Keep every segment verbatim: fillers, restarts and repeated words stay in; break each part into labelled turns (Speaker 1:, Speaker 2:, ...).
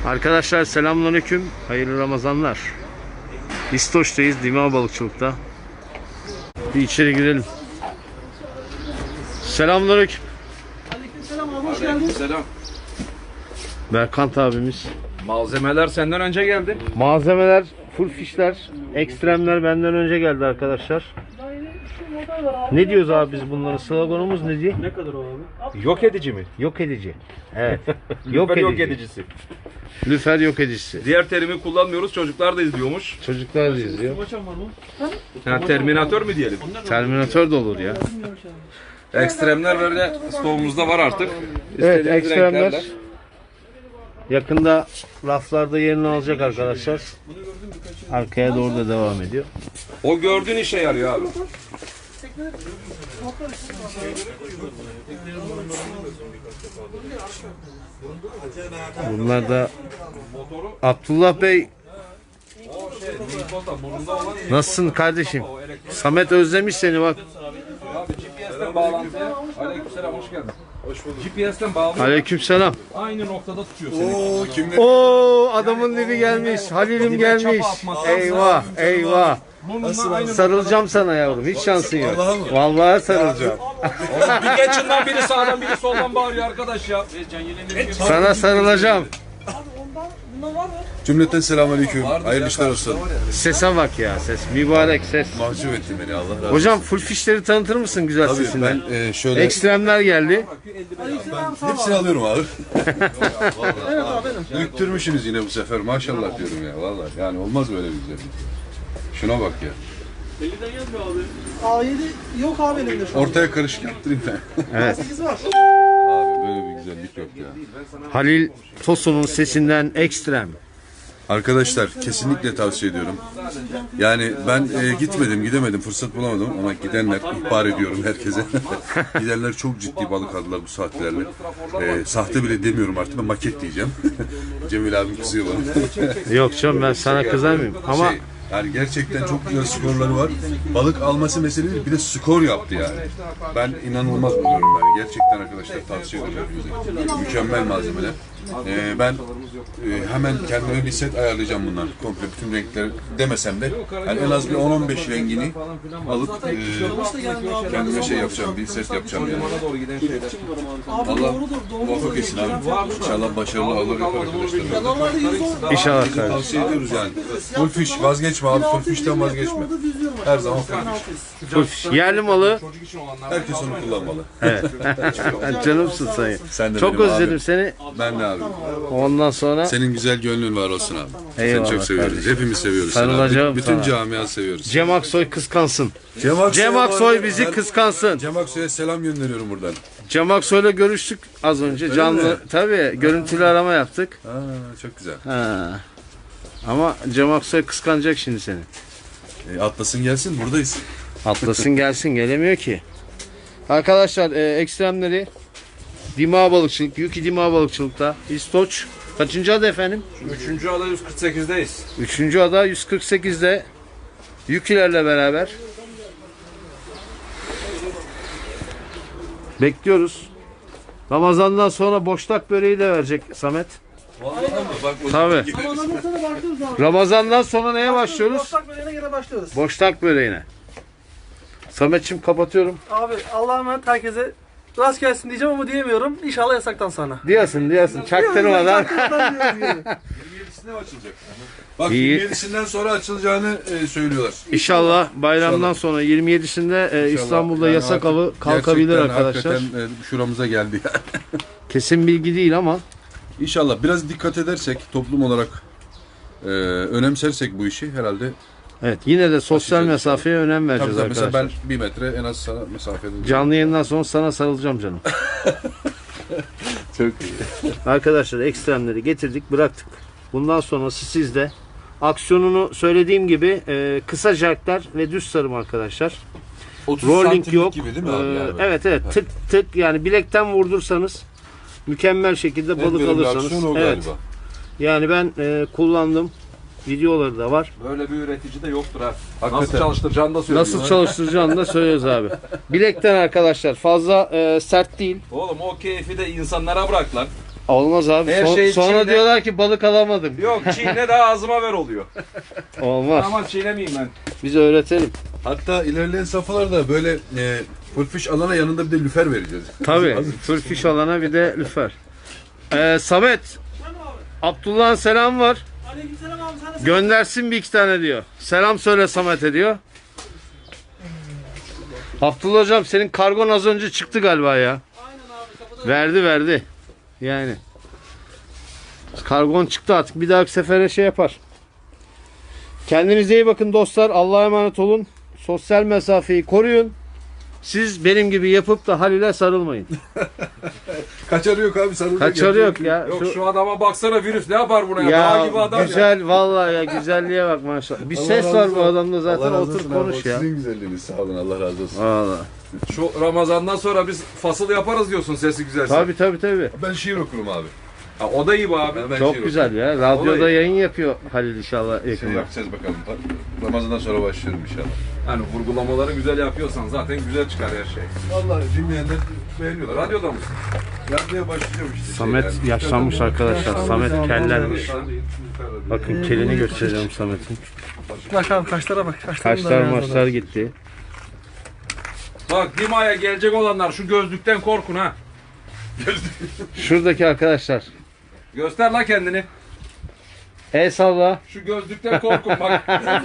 Speaker 1: Arkadaşlar selamünaleyküm. Hayırlı Ramazanlar. İstoç'tayız, Dima Balıkçılık'ta. Bir içeri girelim. Selamünaleyküm.
Speaker 2: Aleykümselam abi, hoş geldin.
Speaker 3: Selam.
Speaker 1: Berkant abimiz.
Speaker 3: Malzemeler senden önce geldi.
Speaker 1: Malzemeler, full fişler, ekstremler benden önce geldi arkadaşlar.
Speaker 2: Daha yeni şu model var abi.
Speaker 1: Ne diyoruz abi biz bunlara? Sloganımız ne diye?
Speaker 2: Ne kadar o abi?
Speaker 3: Yok edici mi?
Speaker 1: Yok edici. Evet.
Speaker 3: Yok,
Speaker 1: yok,
Speaker 3: yok
Speaker 1: edici.
Speaker 3: edicisi.
Speaker 1: Lüfer yok edicisi.
Speaker 3: Diğer terimi kullanmıyoruz. Çocuklar da izliyormuş.
Speaker 1: Çocuklar da izliyor.
Speaker 2: Maçam var mı?
Speaker 3: Ha, Terminator mu diyelim?
Speaker 1: Terminator da olur ya.
Speaker 3: Ekstremler böyle stoğumuzda var artık.
Speaker 1: Evet,
Speaker 3: İstediğiniz
Speaker 1: ekstremler
Speaker 3: renklerle.
Speaker 1: yakında raflarda yerini alacak arkadaşlar. Arkaya doğru da devam ediyor.
Speaker 3: O gördüğün işe yarıyor abi.
Speaker 1: Bunlar da Abdullah Bey, nasılsın kardeşim? Samet özlemiş seni bak.
Speaker 3: Abi G P S'ten bağlantıya. Aleykümselam, hoş geldin. Hoş bulduk. G P S'ten bağlı.
Speaker 1: Aleykümselam.
Speaker 3: Aynı noktada tutuyor seni.
Speaker 4: Oo kimler?
Speaker 1: Oo, adamın dibi gelmiş. Halil'im gelmiş. Eyvah, eyvah.
Speaker 3: Burnundan aynı
Speaker 1: Sarılacağım sana yavrum. Hiç şansın yok.
Speaker 4: Vallahi mı?
Speaker 1: Vallahi sarılacağım.
Speaker 3: noktada. Bir geçinden biri sağdan biri soldan bağırıyor arkadaş ya.
Speaker 1: Sana sarılacağım.
Speaker 2: Bundan var mı?
Speaker 4: Cümleten selamünaleyküm. Hayırlı işler olsun.
Speaker 1: Sese bak ya, ses. Mübarek ses.
Speaker 4: Mahcup ettin beni, Allah razı olsun.
Speaker 1: Hocam full fişleri tanıtır mısın güzel
Speaker 4: Tabii
Speaker 1: sesinden?
Speaker 4: ben e, şöyle
Speaker 1: Ekstremler geldi.
Speaker 2: Aleykümselam, sağ ol.
Speaker 4: hepsini alıyorum abi.
Speaker 2: Evet abi benim.
Speaker 4: Büyüktürmüşsünüz yine bu sefer, maşallah diyorum ya vallahi. Yani olmaz böyle bir güzellik. Şuna bak ya.
Speaker 2: A yedi yok abi elimde şu an.
Speaker 4: Ortaya karışık yaptırayım ben.
Speaker 1: Evet.
Speaker 2: sekiz var.
Speaker 4: Abi böyle bir güzellik yok ya.
Speaker 1: Halil Tosun'un sesinden ekstrem.
Speaker 4: Arkadaşlar kesinlikle tavsiye ediyorum. Yani ben e, gitmedim, gidemedim, fırsat bulamadım ama gidenler, ihbar ediyorum herkese. Gidenler çok ciddi balık aldılar bu saatlerle. E, sahte bile demiyorum artık, ben maket diyeceğim. Cemil abim kızıyor bana.
Speaker 1: Yok canım, ben sana kızar mıyım? Ama
Speaker 4: Şey, yani gerçekten çok güzel skorları var. Balık alması mesele değil, bir de skor yaptı yani. Ben inanılmaz buluyorum yani. Gerçekten arkadaşlar tavsiye ediyorum hepinize. Mükemmel malzemeler. Ee, ben e, hemen kendime bir set ayarlayacağım bunlar. Komple bütün renkleri demesem de yani en az bir on on beş rengini alıp e, kendime şey yapacağım, bir set yapacağım yani.
Speaker 2: Abi
Speaker 4: Allah
Speaker 2: doğrudur, doğrudur.
Speaker 4: muvaffak etsin abi. İnşallah başarılı olur arkadaşlar.
Speaker 2: Normalde yüz on.
Speaker 1: inşallah
Speaker 4: Herkese
Speaker 1: kardeşim.
Speaker 4: tavsiye ediyoruz yani. Full fish vazgeçme abi, full fish'ten vazgeçme.
Speaker 2: Orada düzlüyorum.
Speaker 4: Her zaman full fish.
Speaker 1: Full fiş. Yerli malı.
Speaker 4: Herkes onu kullanmalı.
Speaker 1: Canımsın sen.
Speaker 4: Sen de
Speaker 1: Çok
Speaker 4: benim
Speaker 1: özledim
Speaker 4: abi.
Speaker 1: seni.
Speaker 4: Ben de abi.
Speaker 1: Ondan sonra
Speaker 4: Senin güzel gönlün var olsun abi.
Speaker 1: Eyvallah
Speaker 4: Seni çok seviyoruz.
Speaker 1: kardeşim.
Speaker 4: Hepimiz seviyoruz seni abi.
Speaker 1: Sarılacağım
Speaker 4: Bütün
Speaker 1: sana.
Speaker 4: camia seviyoruz.
Speaker 1: Cem Aksoy kıskansın.
Speaker 4: Cem Aksoy'a
Speaker 1: Cem
Speaker 4: bu
Speaker 1: Aksoy
Speaker 4: arada
Speaker 1: bizi
Speaker 4: ben
Speaker 1: kıskansın.
Speaker 4: Cem Aksoy'a selam gönderiyorum buradan.
Speaker 1: Cem Aksoy'la görüştük az önce. Canlı.
Speaker 4: mi?
Speaker 1: Tabii görüntülü arama yaptık.
Speaker 4: Aa, çok güzel.
Speaker 1: Ha. Ama Cem Aksoy kıskanacak şimdi seni.
Speaker 4: E, atlasın gelsin, buradayız.
Speaker 1: Atlasın gelsin, gelemiyor ki. Arkadaşlar e, ekstremleri Dima Balıkçılık, Yuki Dima Balıkçılık'ta. İstoç. Kaçıncı adı efendim?
Speaker 3: Üçüncü ada yüz kırk sekizdeyiz.
Speaker 1: Üçüncü ada yüz kırk sekizde. Yukilerle beraber. Bekliyoruz. Ramazan'dan sonra boşnak böreği de verecek Samet. Tabii.
Speaker 2: Ramazan'dan sonra başlıyoruz abi.
Speaker 1: Ramazan'dan sonra neye başlıyoruz?
Speaker 2: Boşnak böreğine gene başlıyoruz.
Speaker 1: Boşnak böreğine. Samet'ciğim kapatıyorum.
Speaker 2: Abi Allah'a emanet, herkese rast gelsin diyeceğim ama diyemiyorum. İnşallah yasaktan sonra.
Speaker 1: Diyorsun diyorsun. Çaktırmadan.
Speaker 4: yirmiyedisinde mi açılacak? Bak
Speaker 1: İyi.
Speaker 4: yirmi yedisinden sonra açılacağını e, söylüyorlar.
Speaker 1: İnşallah bayramdan sonra yirmi yedisinde e, İstanbul'da
Speaker 4: Yani
Speaker 1: yasak
Speaker 4: artık
Speaker 1: avı kalkabilir
Speaker 4: gerçekten,
Speaker 1: arkadaşlar.
Speaker 4: Hakikaten e, şuramıza geldi.
Speaker 1: Kesin bilgi değil ama
Speaker 4: İnşallah biraz dikkat edersek, toplum olarak e, önemsersek bu işi herhalde.
Speaker 1: evet, yine de sosyal
Speaker 4: Açacağız.
Speaker 1: mesafeye önem
Speaker 4: Tabii
Speaker 1: vereceğiz
Speaker 4: tabii, mesela
Speaker 1: arkadaşlar.
Speaker 4: ben bir metre en az sana mesafede.
Speaker 1: Canlı yayından sonra sana sarılacağım canım.
Speaker 4: Çok iyi.
Speaker 1: Arkadaşlar ekstremleri getirdik, bıraktık. Bundan sonrası sizde. Aksiyonunu söylediğim gibi e, kısa jerkler ve düz sarım arkadaşlar. Rolling yok.
Speaker 4: gibi değil mi abi?
Speaker 1: Ee,
Speaker 4: Yani?
Speaker 1: evet evet, tık tık, yani bilekten vurdursanız mükemmel şekilde
Speaker 4: En
Speaker 1: balık
Speaker 4: verimli
Speaker 1: alırsanız.
Speaker 4: aksiyon o
Speaker 1: Evet.
Speaker 4: galiba.
Speaker 1: Yani ben e, kullandım. Videoları da var.
Speaker 3: Böyle bir üretici de yoktur ha.
Speaker 4: Hakikaten.
Speaker 3: Nasıl çalıştıracağını da söylüyor.
Speaker 1: Nasıl çalıştıracağını da söylüyoruz abi. Bilekten arkadaşlar, fazla e, sert değil.
Speaker 3: Oğlum o keyfi de insanlara bırak lan.
Speaker 1: Olmaz abi.
Speaker 3: Her
Speaker 1: Son-
Speaker 3: şey
Speaker 1: sonra
Speaker 3: içinde.
Speaker 1: diyorlar ki balık alamadım.
Speaker 3: Yok çiğne daha ağzıma ver oluyor.
Speaker 1: Olmaz.
Speaker 3: Ama çiğnemeyeyim ben.
Speaker 1: Biz öğretelim.
Speaker 4: Hatta ilerleyen safhalarda böyle e, full fish alana yanında bir de lüfer vereceğiz.
Speaker 1: Tabii. Full fish alana bir de lüfer. Ee, Samet. Abdullah'ın selam var.
Speaker 2: Aleykümselam abi, sana
Speaker 1: Göndersin bir iki tane diyor. Selam söyle Samet'e diyor. Abdullah hocam senin kargon az önce çıktı galiba ya.
Speaker 2: Aynen abi, kapıda.
Speaker 1: Verdi verdi. Yani. Kargon çıktı artık. Bir dahaki sefere şey yapar. Kendinize iyi bakın dostlar. Allah'a emanet olun. Sosyal mesafeyi koruyun. Siz benim gibi yapıp da Halil'e sarılmayın.
Speaker 4: Kaçarı yok abi sarılacak.
Speaker 1: Kaçarı yok ya.
Speaker 3: Yok
Speaker 1: Şu-
Speaker 3: şu adama baksana virüs ne yapar buna ya? Dağ gibi
Speaker 1: Ya
Speaker 3: adam ya.
Speaker 1: güzel vallahi ya güzelliğe bak maşallah. Bir ses var bu adamda zaten otur konuş ya.
Speaker 4: Sizin güzelliğiniz sağ olun Allah razı olsun.
Speaker 1: Vallahi.
Speaker 3: Şu Ramazan'dan sonra biz fasıl yaparız diyorsun sesi güzelse.
Speaker 1: Tabii tabii tabii.
Speaker 4: Ben şiir okurum abi.
Speaker 3: Ha, o da iyi bu abi.
Speaker 4: Ben
Speaker 1: Çok
Speaker 4: şiir
Speaker 1: güzel ya. Radyoda
Speaker 3: Olayı.
Speaker 1: yayın yapıyor Halil inşallah
Speaker 4: okurum. Şey
Speaker 1: yakında.
Speaker 4: yapacağız bakalım. Ramazan'dan sonra başlıyorum inşallah.
Speaker 3: Hani vurgulamaları güzel yapıyorsan zaten güzel çıkar her şey.
Speaker 4: Vallahi dinleyenler beğeniyorlar.
Speaker 3: Radyoda mısın?
Speaker 4: Radyoya başlayacağım işte.
Speaker 1: Samet
Speaker 4: şeyler.
Speaker 1: yaşlanmış arkadaşlar. Samet kellenmiş.
Speaker 4: Bakın.
Speaker 1: Bakın kelini göstereceğim Samet'in.
Speaker 2: Bak abi, kaşlara bak. Kaşlarım da
Speaker 1: Kaşlar
Speaker 2: beyaz
Speaker 1: maçlar
Speaker 2: adam.
Speaker 1: gitti.
Speaker 3: Bak Dima'ya gelecek olanlar şu gözlükten korkun ha.
Speaker 1: Şuradaki arkadaşlar.
Speaker 3: Göster la kendini.
Speaker 1: El salla.
Speaker 3: Şu gözlükten korkun bak.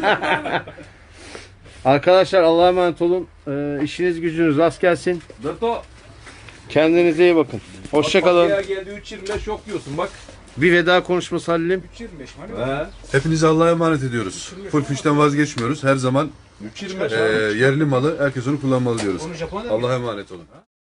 Speaker 1: Arkadaşlar Allah'a emanet olun. Ee, işiniz gücünüz rast gelsin.
Speaker 3: Dırto.
Speaker 1: Kendinize iyi bakın. Hoşçakalın.
Speaker 3: Bak, geldi üç yirmi beş yok diyorsun bak.
Speaker 1: Bir veda konuşması Halil'im.
Speaker 3: üç yirmi beş hani? He.
Speaker 4: Hepinize Allah'a emanet ediyoruz. Full fish'ten vazgeçmiyoruz. Her zaman
Speaker 3: üç yirmi beş
Speaker 4: e, yerli malı herkes onu kullanmalı diyoruz. Allah'a emanet olun.